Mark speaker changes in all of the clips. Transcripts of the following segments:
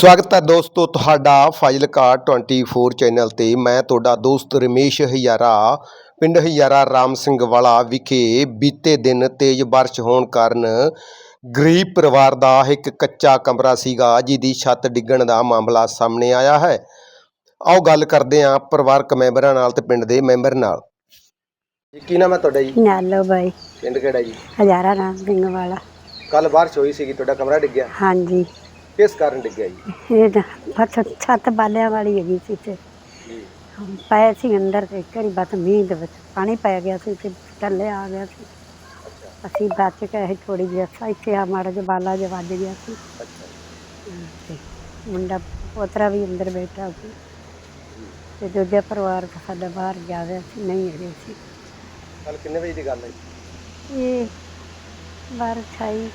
Speaker 1: ਸਵਾਗਤ ਹੈ ਦੋਸਤੋ ਤੁਹਾਡਾ ਫਾਜ਼ਿਲਕਾ 24 ਚੈਨਲ ਤੇ। ਮੈਂ ਤੁਹਾਡਾ ਦੋਸਤ ਰਮੇਸ਼ ਹਜ਼ਾਰਾ ਪਿੰਡ ਹਜ਼ਾਰਾ ਰਾਮ ਸਿੰਘ ਵਾਲਾ ਵਿਖੇ ਬੀਤੇ ਦਿਨ ਤੇਜ਼ ਬਾਰਿਸ਼ ਹੋਣ ਕਾਰਨ ਗਰੀਬ ਪਰਿਵਾਰ ਦਾ ਇੱਕ ਕੱਚਾ ਕਮਰਾ ਸੀਗਾ ਜਿਹਦੀ ਛੱਤ ਡਿੱਗਣ ਦਾ ਮਾਮਲਾ ਸਾਹਮਣੇ ਆਇਆ ਹੈ। ਆਓ ਗੱਲ ਕਰਦੇ ਹਾਂ ਪਰਿਵਾਰਕ ਮੈਂਬਰਾਂ ਨਾਲ ਤੇ ਪਿੰਡ ਦੇ ਮੈਂਬਰ ਨਾਲ। ਕੀ ਨਾਮ ਹੈ ਤੁਹਾਡਾ ਜੀ?
Speaker 2: ਨਾਲੋ ਬਾਈ
Speaker 1: ਪਿੰਡ ਕਿਹੜਾ ਜੀ?
Speaker 2: ਹਜ਼ਾਰਾ ਰਾਮ ਸਿੰਘ ਵਾਲਾ।
Speaker 1: ਕੱਲ ਬਾਰਿਸ਼ ਹੋਈ ਸੀਗੀ, ਤੁਹਾਡਾ ਕਮਰਾ ਡਿੱਗਿਆ,
Speaker 2: ਹਾਂਜੀ,
Speaker 1: ਕਿਸ ਕਾਰਨ ਡਿੱਗਿਆ ਜੀ?
Speaker 2: ਇਹ ਤਾਂ ਬਸ ਛੱਤ ਬਾਲਿਆਂ ਵਾਲੀ ਹੈਗੀ ਸੀ ਤੇ ਪਏ ਸੀ ਅੰਦਰ ਤੇ ਇੱਕ ਵਾਰੀ ਬਸ ਮੀਂਹ ਦੇ ਵਿੱਚ ਪਾਣੀ ਪੈ ਗਿਆ ਸੀ ਤੇ ਥੱਲੇ ਆ ਗਿਆ ਸੀ। ਅਸੀਂ ਬਚ ਕੇ ਅਸੀਂ ਥੋੜ੍ਹੀ ਜਿਹੀ ਇੱਥੇ ਆ ਮਾੜਾ ਜਿਹਾ ਬਾਲਾ ਜਿਹਾ ਵੱਜ ਗਿਆ ਸੀ ਤੇ ਮੁੰਡਾ ਪੋਤਰਾ ਵੀ ਅੰਦਰ ਬੈਠਾ ਸੀ ਤੇ ਦੂਜਾ ਪਰਿਵਾਰ ਸਾਡਾ ਬਾਹਰ ਜਾ ਰਿਹਾ ਸੀ, ਨਹੀਂ ਹੈਗੇ ਸੀ।
Speaker 1: ਕੱਲ ਕਿੰਨੇ ਵਜੇ ਦੀ ਗੱਲ ਹੈ?
Speaker 2: ਇਹ ਬਾਰਿਸ਼ ਆਈ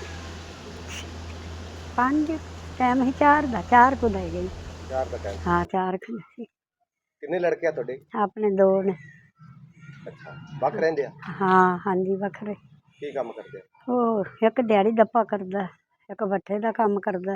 Speaker 2: 5 ਟਾਈਮ ਹੀ 4 ਦਾ 4 ਕੁ ਦਾ ਗਈ।
Speaker 1: 4 ਦਾ ਟਾਈਮ?
Speaker 2: ਹਾਂ 4 ਕੁ ਸੀ।
Speaker 1: ਕਿੰਨੇ ਲੜਕੇ ਆ ਤੁਹਾਡੇ?
Speaker 2: ਆਪਣੇ 2 ਨੇ।
Speaker 1: ਅੱਛਾ, ਵੱਖ ਰਹਿੰਦੇ ਆ?
Speaker 2: ਹਾਂ ਹਾਂਜੀ, ਵੱਖਰੇ।
Speaker 1: ਕੀ ਕੰਮ ਕਰਦੇ ਆ?
Speaker 2: ਉਹ ਇੱਕ ਦਿਹਾੜੀ ਦੱਪਾ ਕਰਦਾ, ਇੱਕ ਭੱਠੇ ਦਾ ਕੰਮ ਕਰਦਾ।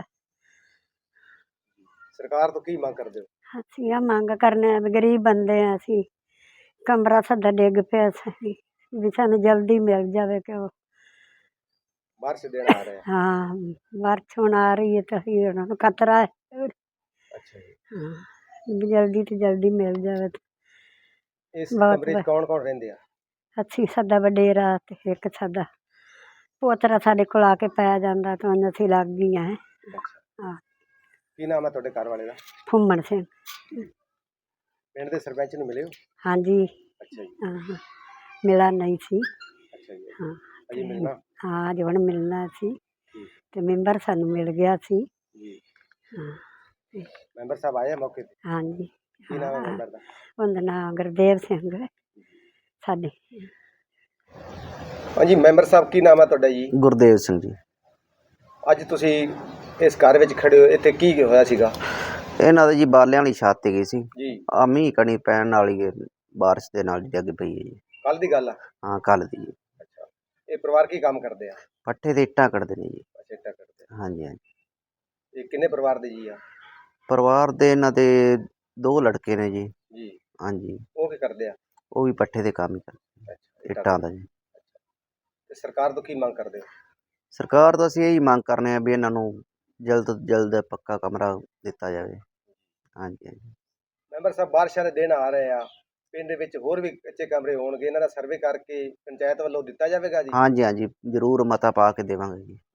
Speaker 1: ਸਰਕਾਰ ਤੋਂ ਕੀ ਮੰਗ ਕਰਦੇ ਹੋ?
Speaker 2: ਅਸੀਂ ਆ ਮੰਗ ਕਰਨੇ ਆ ਵੀ ਗਰੀਬ ਬੰਦੇ ਆ ਅਸੀਂ, ਕਮਰਾ ਸਾਡਾ ਡਿੱਗ ਪਿਆ ਸੀ ਵੀ ਸਾਨੂੰ ਜਲਦੀ ਮਿਲ ਜਾਵੇ ਕਿ ਉਹ
Speaker 1: ਬਾਰਿਸ਼ ਦੇਣ ਆ ਰਹੇ ਆ?
Speaker 2: ਹਾਂ, ਬਾਰਿਸ਼ ਹੁਣ ਆ ਰਹੀ ਹੈ ਤਾਂ ਅਸੀਂ ਉਹਨਾਂ ਨੂੰ ਖਤਰਾ ਹੈ।
Speaker 1: ਅੱਛਾ ਜੀ।
Speaker 2: ਹਾਂ ਵੀ ਜਲਦੀ ਤੋਂ ਜਲਦੀ ਮਿਲ ਜਾਵੇ।
Speaker 1: ਇਸ ਕਮਰੇ 'ਚ ਕੌਣ ਕੌਣ ਰਹਿੰਦੇ ਆ?
Speaker 2: ਅਸੀਂ ਸਾਡਾ ਵਡੇਰਾ ਤੇ ਇੱਕ ਸਾਡਾ ਪੋਤਰਾ ਸਾਡੇ ਕੋਲ ਆ ਕੇ ਪੈ ਜਾਂਦਾ ਤਾਂ ਅਸੀਂ ਲੱਗ ਗਈਆਂ। ਹਾਂ।
Speaker 1: ਕੀ ਨਾਮ ਹੈ ਤੁਹਾਡੇ ਘਰ ਵਾਲੇ ਦਾ?
Speaker 2: ਫੁੰਮਣ ਸਿੰਘ।
Speaker 1: ਪਿੰਡ ਦੇ ਸਰਪੰਚ ਨੂੰ ਮਿਲੇ ਹੋ?
Speaker 2: ਹਾਂਜੀ।
Speaker 1: ਅੱਛਾ ਜੀ।
Speaker 2: ਹਾਂ, ਮਿਲਾ ਨਹੀਂ ਸੀ।
Speaker 1: ਅੱਛਾ ਜੀ।
Speaker 2: ਹਾਂ
Speaker 1: ਅਜੇ ਮਿਲਣਾ?
Speaker 2: ਹਾਂ, ਅੱਜ ਹੁਣ ਮਿਲਣਾ ਸੀ ਤੇ ਮੈਂਬਰ ਸਾਨੂੰ ਮਿਲ ਗਿਆ ਸੀ
Speaker 1: ਜੀ।
Speaker 2: ਹਾਂ।
Speaker 1: ਮੈਂਬਰ ਸਾਹਿਬ ਆਏ ਮੌਕੇ ਤੇ?
Speaker 2: ਹਾਂਜੀ।
Speaker 1: ਕੀ ਨਾਮ ਹੈ ਮੈਂਬਰ ਦਾ?
Speaker 2: ਉਹਦਾ ਨਾਮ ਗੁਰਦੇਵ ਸਿੰਘ ਸਾਡੇ।
Speaker 1: ਹਾਂਜੀ ਮੈਂਬਰ ਸਾਹਿਬ, ਕੀ ਨਾਮ ਹੈ ਤੁਹਾਡਾ ਜੀ?
Speaker 3: ਗੁਰਦੇਵ ਸਿੰਘ ਜੀ।
Speaker 1: ਅੱਜ ਤੁਸੀਂ ਇਸ ਘਰ ਵਿੱਚ ਖੜੇ ਹੋ, ਇੱਥੇ ਕੀ ਹੋਇਆ ਸੀਗਾ?
Speaker 3: ਇਹਨਾਂ ਦੇ ਜੀ ਬਾਲਿਆਂ ਵਾਲੀ ਛੱਤ ਗਈ ਸੀ
Speaker 1: ਜੀ।
Speaker 3: ਆ ਮੀਂਹ ਕਣੀ ਪੈਣ ਵਾਲੀ ਬਾਰਿਸ਼ ਦੇ ਨਾਲ ਡਿੱਗ ਪਈ ਹੈ ਜੀ।
Speaker 1: ਕੱਲ ਦੀ ਗੱਲ ਆ?
Speaker 3: ਹਾਂ ਕੱਲ ਦੀ ਜੀ।
Speaker 1: ਅੱਛਾ, ਇਹ ਪਰਿਵਾਰ ਕੀ ਕੰਮ ਕਰਦੇ ਆ?
Speaker 3: ਪੱਠੇ ਤੇ ਇੱਟਾਂ ਕੱਢਦੇ ਨੇ ਜੀ।
Speaker 1: ਅੱਛਾ, ਇੱਟਾਂ ਕਰਦੇ ਆ।
Speaker 3: ਹਾਂਜੀ ਹਾਂਜੀ।
Speaker 1: ਇਹ ਕਿੰਨੇ ਪਰਿਵਾਰ ਦੇ ਜੀ ਆ?
Speaker 3: ਪਰਿਵਾਰ ਦੇ ਇਹਨਾਂ ਦੇ 2 ਲੜਕੇ ਨੇ ਜੀ।
Speaker 1: ਜੀ।
Speaker 3: ਹਾਂਜੀ।
Speaker 1: ਉਹ ਕੀ ਕਰਦੇ ਆ?
Speaker 3: ਉਹ ਵੀ ਪੱਠੇ ਦੇ ਕੰਮ ਹੀ ਕਰਦੇ,
Speaker 1: ਅੱਛਾ,
Speaker 3: ਇੱਟਾਂ ਦਾ ਜੀ।
Speaker 1: ਤੇ ਸਰਕਾਰ ਤੋਂ ਕੀ ਮੰਗ ਕਰਦੇ ਹੋ?
Speaker 3: ਸਰਕਾਰ ਤੋਂ ਅਸੀਂ ਇਹੀ ਮੰਗ ਕਰਨੇ ਆ ਵੀ ਇਹਨਾਂ ਨੂੰ ਜਲਦ ਤੋਂ ਜਲਦ ਪੱਕਾ ਕਮਰਾ ਦਿੱਤਾ ਜਾਵੇ। ਹਾਂਜੀ ਹਾਂਜੀ।
Speaker 1: ਮੈਂਬਰ ਸਾਹਿਬ, ਬਾਰਿਸ਼ਾਂ ਦੇ ਦਿਨ ਆ ਰਹੇ ਆ, ਪਿੰਡ ਦੇ ਵਿੱਚ ਹੋਰ ਵੀ ਕੱਚੇ ਕਮਰੇ ਹੋਣਗੇ, ਇਹਨਾਂ ਦਾ ਸਰਵੇ ਕਰਕੇ ਪੰਚਾਇਤ ਵੱਲੋਂ ਦਿੱਤਾ ਜਾਵੇਗਾ ਜੀ?
Speaker 3: ਹਾਂਜੀ ਹਾਂਜੀ, ਜ਼ਰੂਰ ਮਤਾ ਪਾ ਕੇ ਦੇਵਾਂਗੇ ਜੀ।